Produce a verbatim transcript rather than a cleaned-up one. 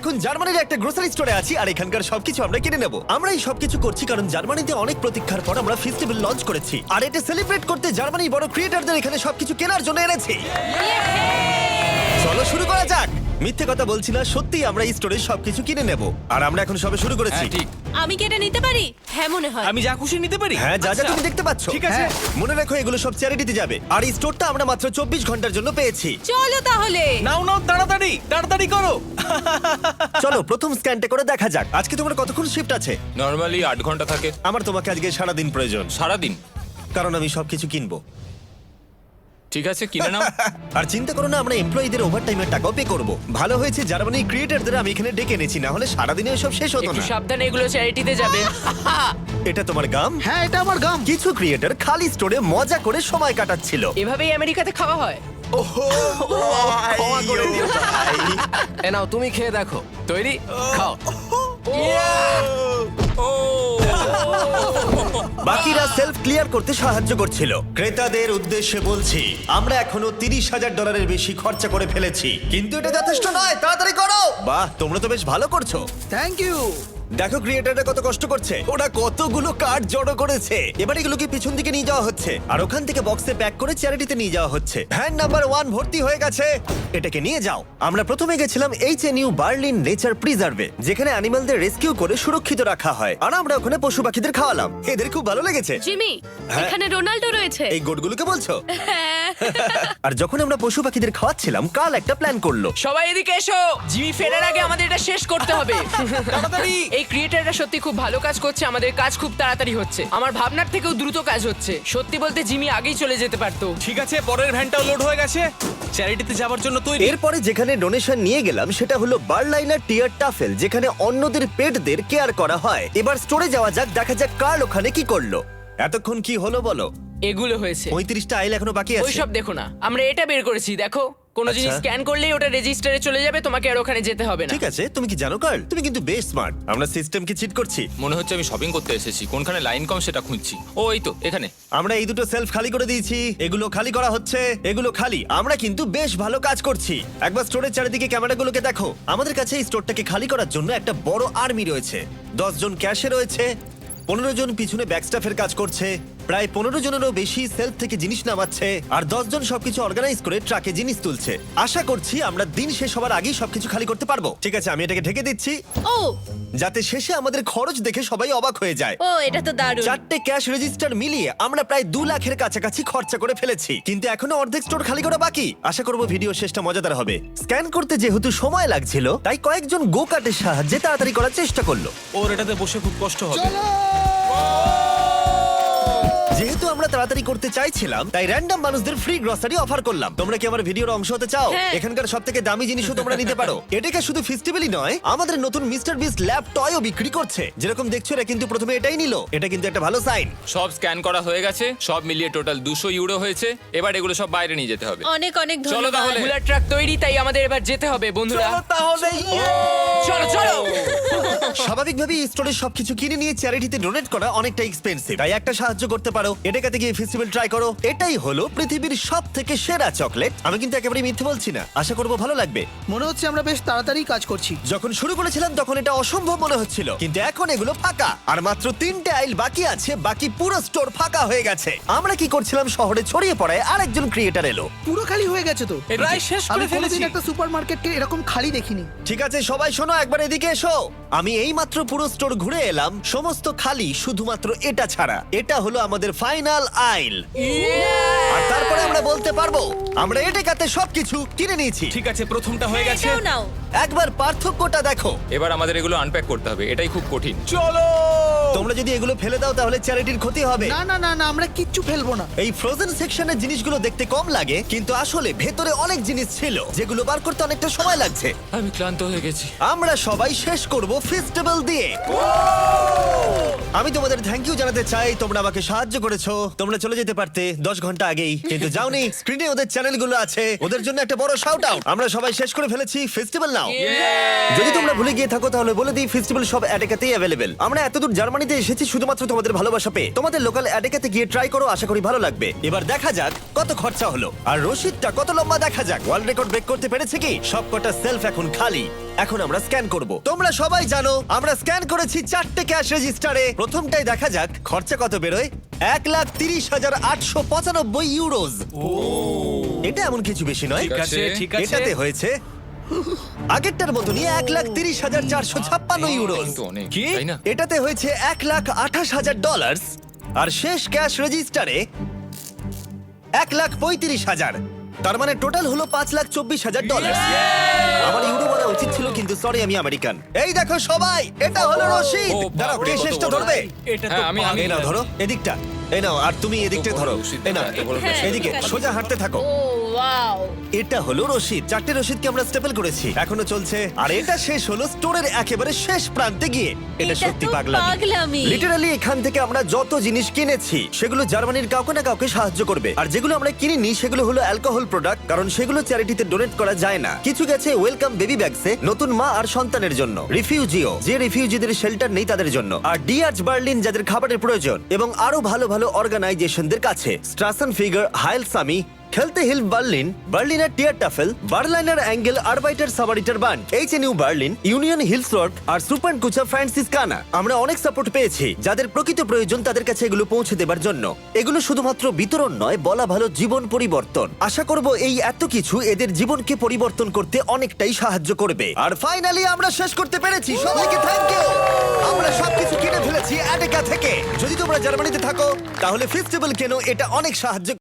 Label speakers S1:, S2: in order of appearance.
S1: এখন জার্মানির একটা গ্রোসারি স্টোরে আছি আর এখানকার সবকিছু আমরা কিনে নেব। আমরা এই সবকিছু করছি কারণ জার্মানিতে অনেক প্রতীক্ষার পর আমরা ফেস্টিভ্যাল লঞ্চ করেছি, আর এটা সেলিব্রেট করতে জার্মানির বড় ক্রিয়েটরদের এখানে সবকিছু কেনার জন্য এনেছি। চলো শুরু করা যাক। মিথ্যে কথা বলছি না, সত্যি আমরা এই স্টোরে সবকিছু কিনে নেব, আর আমরা এখন সবে শুরু করেছি।
S2: হ্যাঁ, ঠিক।
S3: আমি কি এটা নিতে পারি? হ্যাঁ মনে হয়।
S2: আমি যা খুশি নিতে পারি।
S1: হ্যাঁ, যা যা
S2: আচ্ছা।
S1: তুমি দেখতে পাচ্ছ।
S2: ঠিক আছে।
S1: হ্যাঁ, মনে রাখো এগুলো সব চ্যারিটিতে যাবে, আর এই স্টোরটা আমরা মাত্র চব্বিশ ঘন্টার জন্য পেয়েছি।
S3: চলো তাহলে।
S2: নাও নাও, তাড়াতাড়ি তাড়াতাড়ি করো।
S1: চলো প্রথম স্ক্যানটা করে দেখা যাক। আজকে তোমার কতক্ষণ শিফট আছে?
S4: নর্মালি আট ঘন্টা থাকে।
S1: আমার তোমাকে আজকে সারাদিন প্রয়োজন,
S4: সারাদিন?
S1: কারণ আমি সবকিছু কিনবো।
S4: ঠিক আছে, কিনে নাও।
S1: আর চিন্তা করো না, আমরা এমপ্লয়ীদের ওভারটাইমের টাকাও পে করব। ভালো হয়েছে জার্মানির ক্রিয়েটরদের আমি এখানে ডেকে এনেছি, না হলে সারাদিনে সব শেষ হতো
S5: একটু
S1: না।
S5: সাবধানে, এগুলো চ্যারিটিতে যাবে।
S1: এটা তোমার গাম?
S6: হ্যাঁ, এটা আমার গাম।
S1: কিছু ক্রিয়েটর খালি স্টোরে মজা করে সময় কাটাচ্ছিল।
S5: এভাবেই আমেরিকাতে খাওয়া হয়।
S1: ক্ষমা করে দিও ভাই।
S5: এ নাও, তুমি খেয়ে দেখো। তৈরি? খাও।
S1: বাকিরা সেলফ ক্লিয়ার করতে সাহায্য করছিল। ক্রেতাদের উদ্দেশ্যে বলছি, আমরা এখনো তিরিশ হাজার ডলারের বেশি খরচা করে ফেলেছি, কিন্তু এটা যথেষ্ট নয়। তাড়াতাড়ি করো। বাহ, তোমরা তো বেশ ভালো করছো।
S6: Thank you.
S1: দেখো ক্রিয়েটাররা কত কষ্ট করছে, ওরা কতগুলো কার্ড জড়ো করেছে। এবার এগুলোকে পিছন দিকে নিয়ে যাওয়া হচ্ছে, আর ওখান থেকে বক্সে প্যাক করে চ্যারিটিতে নিয়ে যাওয়া হচ্ছে। ভ্যান নাম্বার ওয়ান ভর্তি হয়ে গেছে, এটাকে নিয়ে যাও। আমরা প্রথমে গেছিলাম H N U Berlin nature প্রিজার্ভে, যেখানে অ্যানিমালদের রেস্কিউ করে সুরক্ষিত রাখা হয়, আর আমরা ওখানে পশু পাখিদের খাওয়ালাম। এদের খুব ভালো লেগেছে।
S3: জিমি,
S1: হ্যাঁ।
S3: এখানে রোনাল্ডো রয়েছে।
S1: এই গোটগুলোকে বলছো?
S3: হ্যাঁ।
S1: আর যখন আমরা পশু পাখিদের খাওয়াচ্ছিলাম, কাল একটা প্ল্যান করলো।
S5: সবাই এদিকে এসো। জিমি ফেরার আগে আমাদের এটা শেষ করতে হবে।
S2: তাড়াতাড়ি।
S5: এই ক্রিয়েটাররা সত্যি খুব ভালো কাজ করছে, আমাদের কাজ খুব তাড়াতাড়ি হচ্ছে। আমার ভাবনার থেকেও দ্রুত কাজ হচ্ছে। সত্যি বলতে জিমি আগেই চলে যেতে পারতো।
S2: ঠিক আছে, পরের ভ্যানটাও লোড হয়ে গেছে। চ্যারিটিতে যাওয়ার জন্য তৈরি।
S1: এরপরে যেখানে ডোনেশন নিয়ে গেলাম সেটা হলো বার্লাইনার টিয়ার টাফেল, যেখানে অন্যদের পেটদের কেয়ার করা হয়। এবার স্টোরে যাওয়া যাক, দেখা যাক কার্ল ওখানে কি করলো। এতক্ষণ কি হলো বলো?
S5: এগুলো হয়েছে।
S1: পঁয়ত্রিশটা আইল এখনো বাকি আছে।
S5: ওইসব দেখো না, আমরা এটা বের করেছি। দেখো, কোনো
S1: আচ্ছা।
S5: জিনিস স্ক্যান করলেই ওটা রেজিস্টারে চলে যাবে, তোমাকে আর ওখানে যেতে হবে না।
S1: ঠিক আছে, তুমি কি জানো কার্ল, তুমি কিন্তু বেশ স্মার্ট। আমরা সিস্টেমকে চিট করছি।
S4: মনে হচ্ছে আমি শপিং করতে এসেছি, কোনখানে লাইন কম সেটা খুঁজছি। ও এই তো এখানে।
S1: আমরা এই দুটো সেলফ খালি করে দিয়েছি, এগুলো খালি করা হচ্ছে, এগুলো খালি। আমরা কিন্তু বেশ ভালো কাজ করছি। একবার স্টোরের চারিদিকে ক্যামেরাগুলোকে দেখো। আমাদের কাছে এই স্টোরটাকে খালি করার জন্য একটা বড় আর্মি রয়েছে। দশ জন ক্যাশে রয়েছে, পনেরো জন পিছনে ব্যাকস্টাফের কাজ করছে, প্রায় পনেরো জনেরও বেশি সেলফ থেকে জিনিস নামাচ্ছে, আর দশ জন সবকিছু অর্গানাইজ করে ট্রাকে জিনিস তুলছে। আশা করছি আমরা দিন শেষ হবার আগেই সবকিছু খালি করতে পারবো। ঠিক আছে, আমি এটাকে ঢেকে দিচ্ছি,
S3: ও
S1: যাতে শেষে আমাদের খরচ দেখে সবাই অবাক হয়ে যায়।
S3: ও এটা তো দারুণ।
S1: চারটে ক্যাশ রেজিস্টার মিলিয়ে আমরা প্রায় দু লাখের কাছাকাছি খরচা করে ফেলেছি, কিন্তু এখনো অর্ধেক স্টোর খালি করা বাকি। আশা করবো ভিডিও শেষটা মজাদার হবে। স্ক্যান করতে যেহেতু সময় লাগছিল, তাই কয়েকজন গো কার্টের সাহায্যে তাড়াতাড়ি করার চেষ্টা করলো।
S2: ওর এটাতে বসে খুব কষ্ট হবে।
S1: যেহেতু আমরা তাড়াতাড়ি করতে চাইছিলাম, তাই র্যান্ডম মানুষদের ফ্রি গ্রসারি অফার করলাম। তোমরা কি আমার ভিডিওর অংশ হতে চাও?
S3: হ্যাঁ।
S1: এখানকার সব থেকে দামি জিনিসও তোমরা নিতে পারো। এটাকে শুধু ফেস্টিভ্যালই নয়, আমাদের নতুন মিস্টার বিস্ট ল্যাব টয়ও বিক্রি করছে। যেরকম দেখছো, এরা কিন্তু প্রথমে এটাই নিল। এটা কিন্তু একটা ভালো সাইন।
S4: সব স্ক্যান করা হয়ে গেছে, সব মিলিয়ে টোটাল দুশো ইউরো হয়েছে। এবার এগুলো সব বাইরে নিয়ে যেতে হবে।
S3: অনেক অনেক
S4: চলো
S3: ধন্যবাদ।
S4: তাহলে।
S5: বুলার ট্রাক তৈরি, তাই আমাদের এবার যেতে হবে বন্ধুরা।
S2: চলো তাহলে।
S5: চলো চলো।
S1: স্বাভাবিকভাবেই স্টোরের সবকিছু কিনে নিয়ে চ্যারিটিতে ডোনেট করা অনেকটা এক্সপেন্সিভ, তাই একটা সাহায্য করতে পারো। এটাতে গিয়ে ফেস্টিভ্যাল ট্রাই করো। এটাই হলো পৃথিবীর সব থেকে সেরা চকলেট। আমি কিন্তু একেবারে মিথ্যে বলছি না, আশা করবো ভালো লাগবে।
S6: মনে হচ্ছে আমরা বেশ তাড়াতাড়ি কাজ করছি।
S1: যখন শুরু করেছিলাম তখন এটা অসম্ভব মনে হচ্ছিল, কিন্তু এখন এগুলো ফাঁকা, আর মাত্র তিনটে আইল বাকি আছে। বাকি পুরো স্টোর ফাঁকা হয়ে গেছে। আমরা কি করছিলাম, শহরে ছড়িয়ে পড়ায় আরেকজন ক্রিয়েটার এলো।
S6: পুরো খালি হয়ে গেছে তো।
S2: প্রায় শেষ
S6: আমি
S2: করে ফেলেছি।
S6: কোনোদিন একটা সুপারমার্কেটকে এরকম খালি দেখিনি।
S1: ঠিক আছে সবাই শোনো, একবার এদিকে এসো। আমি এই মাত্র পুরো স্টোর ঘুরে এলাম, সমস্ত খালি, শুধুমাত্র এটা ছাড়া। এটা হলো আমাদের ফাইনাল আইল, আর তারপরে আমরা বলতে পারবো আমরা এটাতে সবকিছু কিনে নিয়েছি।
S2: ঠিক আছে, প্রথমটা হয়ে গেছে।
S3: এটাও নাও।
S1: একবার পার্থক্যটা দেখো।
S4: এবার আমাদের এগুলো আনপ্যাক করতে হবে, এটাই খুব কঠিন।
S2: চলো।
S1: তোমরা যদি এগুলো ফেলে দাও তাহলে চ্যারিটির ক্ষতি হবে।
S6: না না না না, আমরা কিচ্ছু ফেলবো না।
S1: এই ফ্রোজেন সেকশনের জিনিসগুলো দেখতে কম লাগে, কিন্তু আসলে ভেতরে অনেক জিনিস ছিল যেগুলো বার করতে অনেকটা সময় লাগছে।
S4: আমি ক্লান্ত হয়ে গেছি।
S1: আমরা সবাই শেষ করব ফেস্টিভ্যাল দিয়ে। আমি তোমাদের থ্যাংক ইউ জানাতে চাই, তোমরা আমাকে সাহায্য করেছো। তোমরা চলে যেতে পারতে দশ ঘন্টা আগেই, কিন্তু যাওনি। স্ক্রিনে ওদের চ্যানেলগুলো আছে, ওদের জন্য একটা বড় শাউট আউট। আমরা সবাই শেষ করে ফেলেছি ফেস্টিভ্যাল নাও। যদি তোমরা ভুলে গিয়ে থাকো তাহলে বলে দিই, ফেস্টিভ্যাল সব অ্যাডেকাতেই অ্যাভেলেবেল। আমরা এতদূর জার্মানি জার্মানিতে এসেছি শুধুমাত্র তোমাদের ভালোবাসা পেয়ে। তোমাদের লোকাল অ্যাডেকাতে গিয়ে ট্রাই করো, আশা করি ভালো লাগবে। এবার দেখা যাক কত খরচা হলো আর রসিদটা কত লম্বা। দেখা যাক ওয়ার্ল্ড রেকর্ড ব্রেক করতে পেরেছে কি। সবকটা সেলফ এখন খালি। এখন আমরা স্ক্যান করব। তোমরা সবাই জানো আমরা স্ক্যান করেছি চারটে ক্যাশ রেজিস্টারে। প্রথমটাই দেখা যাক খরচা কত বেরোয়। এক লাখ তিরিশ হাজার আটশো পঁচানব্বই ইউরোজ। এটা এমন কিছু বেশি নয়।
S2: ঠিক আছে ঠিক আছে
S1: এটাতে হয়েছে আগেরটার মতনই এক লাখ তিরিশ হাজার চারশো ছাপ্পান্ন ইউরোজ।
S4: কিন্তু অনেক
S2: কি?
S4: তাই না?
S1: এটাতে হয়েছে এক লাখ আঠাশ হাজার ডলার। আর শেষ ক্যাশ রেজিস্টারে এক লাখ পঁয়ত্রিশ হাজার। তার মানে টোটাল হলো পাঁচ লাখ চব্বিশ হাজার ডলার। আমার ইউরো বলা উচিত ছিল, কিন্তু সরি আমি আমেরিকান। এই দেখো সবাই, এটা হলো রশিদ।
S4: ও,
S1: দাঁড়াও,
S4: বাপরে,
S1: কে
S4: কত
S1: শেষটা
S4: বড়।
S1: ধরবে?
S2: এটা তো
S4: হ্যাঁ, আমি- আমি-
S1: এই নাও ধরো এদিকটা, এই নাও, আর তুমি এদিকটা
S4: বড়
S1: ধরো।
S4: রশিদ,
S1: এই নাও
S4: এত বড়
S3: হ্যাঁ,
S1: এদিকে
S3: ঠিক আছে।
S1: সোজা হাঁটতে থাকো।
S3: Oh wow.
S1: এটা হলো রশিদ। চারটে রশিদকে আমরা স্টেপল করেছি, এখনো চলছে। আর এটা শেষ হলো স্টোরের একেবারে শেষ প্রান্তে গিয়ে। এটা
S3: এটা
S1: সত্যি
S3: তো
S1: পাগলামি।
S3: পাগলামি।
S1: লিটারালি এখান থেকে আমরা যত জিনিস কিনেছি সেগুলো জার্মানির কাউকে না কাউকে সাহায্য করবে। আর যেগুলো আমরা কিনিনি সেগুলো হলো অ্যালকোহল প্রোডাক্ট, কারণ সেগুলো চ্যারিটিতে ডোনেট করা যায় না। কিছু গেছে ওয়েলকাম বেবি ব্যাগসে, নতুন মা আর সন্তানের জন্য। রিফিউজিও, যে রিফিউজিদের শেল্টার নেই তাদের জন্য। আর ডিআরচ বার্লিন, যাদের খাবারের প্রয়োজন। এবং আরো ভালো ভালো অর্গানাইজেশনদের কাছে স্ট্রাসেন ফিগার, হাইল সামি, খেলতে হিল বার্লিন, বার্লিনার টিয়ার টাফেল, বার্লাইনার অ্যাঙ্গেল, আরবাইটার সাবারিটার বান্ড, H N U Berlin, union hills road আর সুপার কুচা ফ্রান্সিস কানা। আমরা অনেক সাপোর্ট পেয়েছি। যাদের প্রকৃত প্রয়োজন তাদের কাছে এগুলো পৌঁছে দেবার জন্য। এগুলো শুধুমাত্র বিতরণ নয়, বলা ভালো জীবন পরিবর্তন। আশা করব এই এত কিছু এদের জীবনকে পরিবর্তন করতে অনেকটাই সাহায্য করবে। আর ফাইনালি আমরা শেষ করতে পেরেছি। সবাইকে থ্যাংক ইউ। আমরা সবকিছু কিনে ফেলেছি অ্যাডেকা থেকে। যদি তোমরা জার্মানিতে থাকো তাহলে ফেস্টিভ্যাল কেন, এটা অনেক সাহায্য